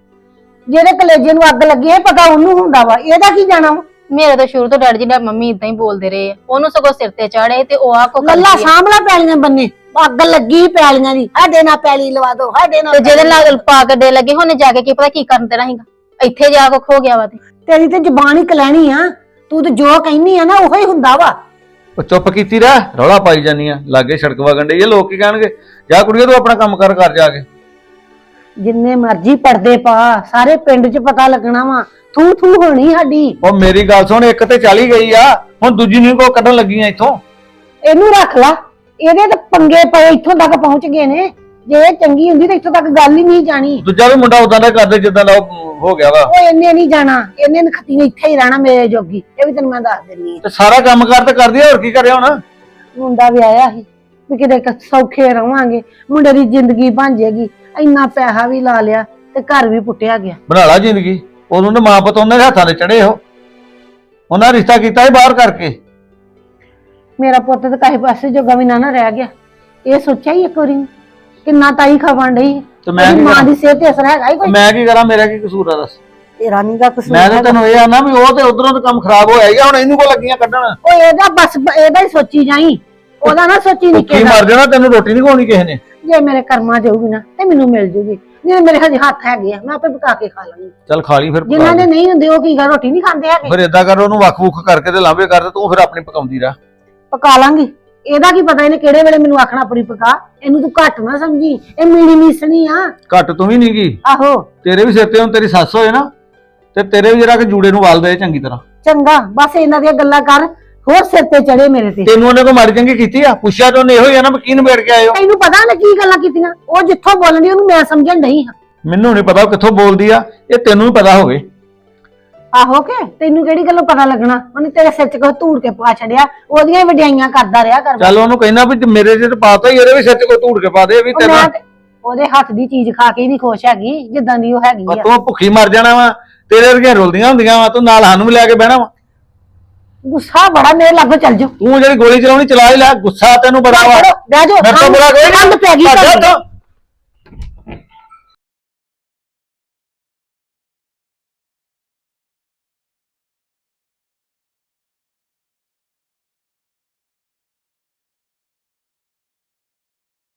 ਜਿਹੜੇ ਕਲੇਜੇ ਨੂੰ ਅੱਗ ਲੱਗੀ ਹੈ ਪਤਾ ਉਹਨੂੰ ਹੁੰਦਾ ਵਾ, ਇਹਦਾ ਕੀ ਜਾਣਾ ਵਾ। ਮੇਰੇ ਤਾਂ ਸ਼ੁਰੂ ਤੋਂ ਡੈਡੀ ਜੀ ਨਾਲ ਮੰਮੀ ਇਦਾਂ ਹੀ ਬੋਲਦੇ ਰਹੇ ਆ, ਉਹਨੂੰ ਸਗੋਂ ਸਿਰ ਤੇ ਚੜੇ ਤੇ ਉਹ ਆ ਕੋ ਲੱਲਾ ਸਾਂਭਲਾ ਪੈਲੀਆਂ ਬੰਨੇ, ਅੱਗ ਲੱਗੀ ਪੈਲੀਆਂ ਦੀ, ਸਾਡੇ ਨਾਲ ਪੈਲੀ ਲਵਾ ਦੋ, ਸਾਡੇ ਨਾਲ। ਤੇ ਜਿਹਦੇ ਨਾਲ ਪਾ ਗੱਡੇ ਲੱਗੇ ਉਹਨੇ ਜਾ ਕੇ ਕੀ ਪਤਾ ਕੀ ਕਰਨ ਦੇਣਾ ਸੀਗਾ, ਇੱਥੇ ਜਾ ਕੇ ਖੋ ਗਿਆ ਵਾ। ਤੇ ਤੇਰੀ ਤੇ ਜ਼ਬਾਨ ਹੀ ਕਲੈਣੀ ਆ, ਤੂੰ ਤੇ ਜੋ ਕਹਿੰਦੀ ਆ ਨਾ ਉਹੀ ਹੁੰਦਾ ਵਾ। ਉਹ ਚੁੱਪ ਕੀਤੀ ਰਹਿ, ਰੌਲਾ ਪਾਈ ਜਾਨੀ ਆ, ਲਾਗੇ ਸੜਕ ਵਗਣ ਡਈ ਆ, ਲੋਕ ਕੀ ਕਹਿਣਗੇ। ਜਾ ਕੁੜੀਏ ਤੂੰ ਆਪਣਾ ਕੰਮ ਕਰ ਕਰ ਜਾ ਕੇ। ਜਿੰਨੇ ਮਰਜ਼ੀ ਪਰਦੇ ਪਾ, ਸਾਰੇ ਪਿੰਡ 'ਚ ਪਤਾ ਲੱਗਣਾ ਵਾ, ਥੂ ਥੂ ਹੋਣੀ ਸਾਡੀ। ਉਹ ਮੇਰੀ ਗੱਲ ਸੁਣ, ਇੱਕ ਤੇ ਚਲੀ ਗਈ ਆ, ਹੁਣ ਦੂਜੀ ਨੂੰ ਕੋ ਕੱਢਣ ਲੱਗੀਆਂ ਇੱਥੋਂ। ਇਹਨੂੰ ਰੱਖ ਲਾ, ਇਹਦੇ ਤੇ ਪੰਗੇ ਪਏ ਇੱਥੋਂ ਤੱਕ ਪਹੁੰਚ ਗਏ ਨੇ। ਜੇ ਇਹ ਚੰਗੀ ਹੁੰਦੀ ਤਾਂ ਇੱਥੋਂ ਤੱਕ ਗੱਲ ਹੀ ਨਹੀਂ ਜਾਣੀ। ਦੂਜਾ ਵੀ ਮੁੰਡਾ ਉਦਾਂ ਦਾ ਕਰਦੇ ਜਿੱਦਾਂ ਦਾ ਉਹ ਹੋ ਗਿਆ ਵਾ। ਉਹ ਇਹਨੇ ਨਹੀਂ ਜਾਣਾ, ਇਹਨੇ ਨਖਤੀ ਨੇ ਇੱਥੇ ਹੀ ਰਹਿਣਾ ਮੇਰੇ ਜੋਗੀ, ਇਹ ਵੀ ਤੈਨੂੰ ਮੈਂ ਦੱਸ ਦਿੰਨੀ ਆ। ਤੇ ਸਾਰਾ ਕੰਮ ਕਰ ਤੇ ਕਰਦੀ ਆ, ਹੋਰ ਕੀ ਕਰਿਆ ਹੁਣ। ਮੁੰਡਾ ਵੀ ਆਇਆ ਸੀ ਵੀ ਕਿਤੇ ਕ- ਸੌਖੇ ਰਵਾਂਗੇ, ਮੁੰਡੇ ਦੀ ਜ਼ਿੰਦਗੀ ਬਣ ਜਾਏਗੀ। ਇੰਨਾ ਪੈਸਾ ਵੀ ਲਾ ਲਿਆ ਤੇ ਘਰ ਵੀ ਪੁੱਟਿਆ ਗਿਆ। ਬਣਾ ਲਾ ਜ਼ਿੰਦਗੀ, ਉਦੋਂ ਦੇ ਮਾਂ ਪੁੱਤ ਉਹਨਾਂ ਦੇ ਹੱਥਾਂ 'ਤੇ ਚੜੇ ਹੋ, ਉਹਨਾਂ ਰਿਸ਼ਤਾ ਕੀਤਾ ਸੀ ਬਾਹਰ ਕਰਕੇ। ਮੇਰਾ ਪੁੱਤ ਤਾਂ ਕਾਹੇ ਪਾਸੇ ਜੋਗਾ ਵੀ ਨਾ ਨਾ ਰਹਿ ਗਿਆ। ਇਹ ਸੋਚਿਆ ਹੀ ਇੱਕ ਵਾਰੀ ਕਿੰਨਾ ਤਾਈ ਖਾਵਣ ਡਈ, ਤੇ ਮੈਂ ਉਹਦੀ ਕੀ ਮਾਂ ਕਰਾਂ? ਦੀ ਸਿਹਤ ਤੇ ਅਸਰ ਹੈਗਾ ਹੀ ਕੋਈ। ਮੈਂ ਕੀ ਕਰਾਂ, ਮੇਰਾ ਕੀ ਕਸੂਰ ਆ ਦੱਸ। ਤੇਰਾ ਨੀ ਗਾ ਕਸੂਰ ਮੈਂ ਤਾਂ ਹੈਗਾ। ਤੈਨੂੰ ਇਹ ਆਨਾ ਵੀ ਉਹ ਤੇ ਉਧਰੋਂ ਤਾਂ ਕੰਮ ਖਰਾਬ ਹੋਇਆ ਹੀ ਆ, ਹੁਣ ਇਹਨੂੰ ਕੋ ਲੱਗੀਆਂ ਕੱਢਣ। ਉਹ ਇਹਦਾ ਬਸ ਇਹਦਾ ਹੀ ਸੋਚੀ ਜਾਈ, ਉਹਦਾ ਨਾ ਸੋਚੀ ਨਿੱਕੇ ਕੀ ਦਾ। ਮਰ ਜਾਣਾ, ਤੈਨੂੰ ਰੋਟੀ ਨਹੀਂ ਖਵਾਉਣੀ ਕਿਸੇ ਨੇ। ਜੇ ਮੇਰੇ ਕਰਮਾਂ ਜਾਊਗੀ ਨਾ ਤੇ ਮੈਨੂੰ ਮਿਲ ਜੂਗੀ, ਨਹੀਂ ਮੇਰੇ ਹਜੇ ਹੱਥ ਹੈਗੇ ਆ, ਮੈਂ ਆਪੇ ਪਕਾ ਕੇ ਖਾ ਲਾਂਗੀ। ਚੱਲ ਖਾ ਲਈ ਫਿਰ ਪਕਾ ਜਿਨ੍ਹਾਂ ਦੇ ਲਈ। ਨਹੀਂ ਹੁੰਦੇ ਉਹ ਕੀ ਗਾ ਰੋਟੀ ਨਹੀਂ ਖਾਂਦੇ ਹੈਗੇ। ਫਿਰ ਏਦਾਂ ਕਰ, ਉਹਨੂੰ ਵੱਖ-ਵੁੱਖ ਕਰਕੇ ਤੇ ਲਾਂਭੇ ਕਰ, ਤੇ ਤੂੰ ਫਿਰ ਆਪਣੀ ਪਕਾਉਂਦੀ ਰਹਿ। ਪਕਾ ਲਾਂਗੀ, ਇਹਦਾ ਕੀ ਪਤਾ ਇਹਨੇ ਕਿਹੜੇ ਵੇਲੇ ਮੈਨੂੰ ਆਖਣਾ ਆਪਣੀ ਪਕਾ। ਇਹਨੂੰ ਤੂੰ ਘੱਟ ਨਾ ਸਮਝੀ, ਇਹ ਮੀਣੀ ਮੀਸਣੀ ਆ। ਘੱਟ ਤੂੰ ਵੀ ਨਹੀਂ ਗਈ, ਆਹੋ ਤੇਰੇ ਵੀ ਸਿਰ ਤੇ ਹੁਣ ਤੇਰੀ ਸੱਸ ਹੋਏ ਨਾ, ਤੇ ਤੇਰੇ ਵੀ ਜਰਾ ਕਿ ਜੂੜੇ ਨੂੰ ਵਾਲ ਦੇ ਚੰਗੀ ਤਰ੍ਹਾਂ। ਚੰਗਾ, ਬਸ ਇਹਨਾਂ ਦੀਆਂ ਗੱਲਾਂ ਕਰ, ਹੋਰ ਸਿਰ ਤੇ ਚੜੇ ਮੇਰੇ ਤੇ। ਤੈਨੂੰ ਉਹਨੇ ਕੋਈ ਮਾੜੀ ਚੰਗੀ ਕੀਤੀ ਆ? ਪੁੱਛਿਆ ਤਾਂ ਉਹਨੇ ਇਹੋ ਹੀ ਆ ਨਾ ਵੀ ਕੀ ਨਿਬੇੜ ਕੇ ਆਏ ਹੋ। ਤੈਨੂੰ ਪਤਾ ਨਾ ਕੀ ਗੱਲਾਂ ਕੀਤੀਆਂ, ਉਹ ਜਿੱਥੋਂ ਬੋਲਣੀ ਉਹਨੂੰ ਮੈਂ ਸਮਝਣ ਨਹੀਂ ਹਾਂ। ਮੈਨੂੰ ਨਹੀਂ ਪਤਾ ਉਹ ਕਿੱਥੋਂ ਬੋਲਦੀ ਆ, ਇਹ ਤੈਨੂੰ ਵੀ ਪਤਾ ਹੋਵੇ। ਆਹੋ ਕੇ ਤੈਨੂੰ ਕਿਹੜੀ ਗੱਲੋਂ ਪਤਾ ਲੱਗਣਾ, ਉਹਨੇ ਤੇਰੇ ਸਿਰ 'ਚ ਕੋਈ ਧੂੜ ਕੇ ਪਾ ਛੜਿਆ, ਉਹਦੀਆਂ ਹੀ ਵਡਿਆਈਆਂ ਕਰਦਾ ਰਿਹਾ ਕਰ। ਚੱਲ ਉਹਨੂੰ ਕਹਿਣਾ ਵੀ ਜੇ ਮੇਰੇ ਤੇ ਪਾਤਾ ਹੀ, ਇਹਦੇ ਵੀ ਸਿਰ 'ਚ ਕੋਈ ਧੂੜ ਕੇ ਪਾ ਦੇ ਵੀ ਉਹ ਤੇਰਾ। ਮੈਂ ਤੇ ਉਹਦੇ ਹੱਥ ਦੀ ਚੀਜ਼ ਖਾ ਕੇ ਹੀ ਨਹੀਂ ਖੁਸ਼ ਹੈਗੀ ਜਿੱਦਾਂ ਦੀ ਉਹ ਹੈਗੀ ਆ। ਤੂੰ ਭੁੱਖੀ ਮਰ ਜਾਣਾ ਵਾ, ਤੇਰੇ ਵਰਗੀਆਂ ਰੁਲਦੀਆਂ ਹੁੰਦੀਆਂ ਵਾ, ਤੂੰ ਨਾਲ ਸਾਨੂੰ ਵੀ ਲੈ ਕੇ ਬਹਿਣਾ ਵਾ। ਗੁੱਸਾ ਬੜਾ ਮੇਰੇ ਲਾਗੋਂ ਚੱਲ ਜਾਓ। ਤੂੰ ਜਿਹੜੀ ਗੋਲੀ ਚਲਾਉਣੀ ਚਲਾ ਹੀ ਲੈ, ਗੁੱਸਾ ਤੈਨੂੰ ਬੜਾ ਵਾ। ਬਹਿ ਜਾਓ, ਮੇਰੇ ਤੋਂ ਬੁਰਾ ਕੋਈ ਨਹੀਂ। ਠੰਡ ਪੈ ਗਈ ਭੱਜ ਜਾ ਤੁਹਾਨੂੰ। ਇੱਥੋਂ।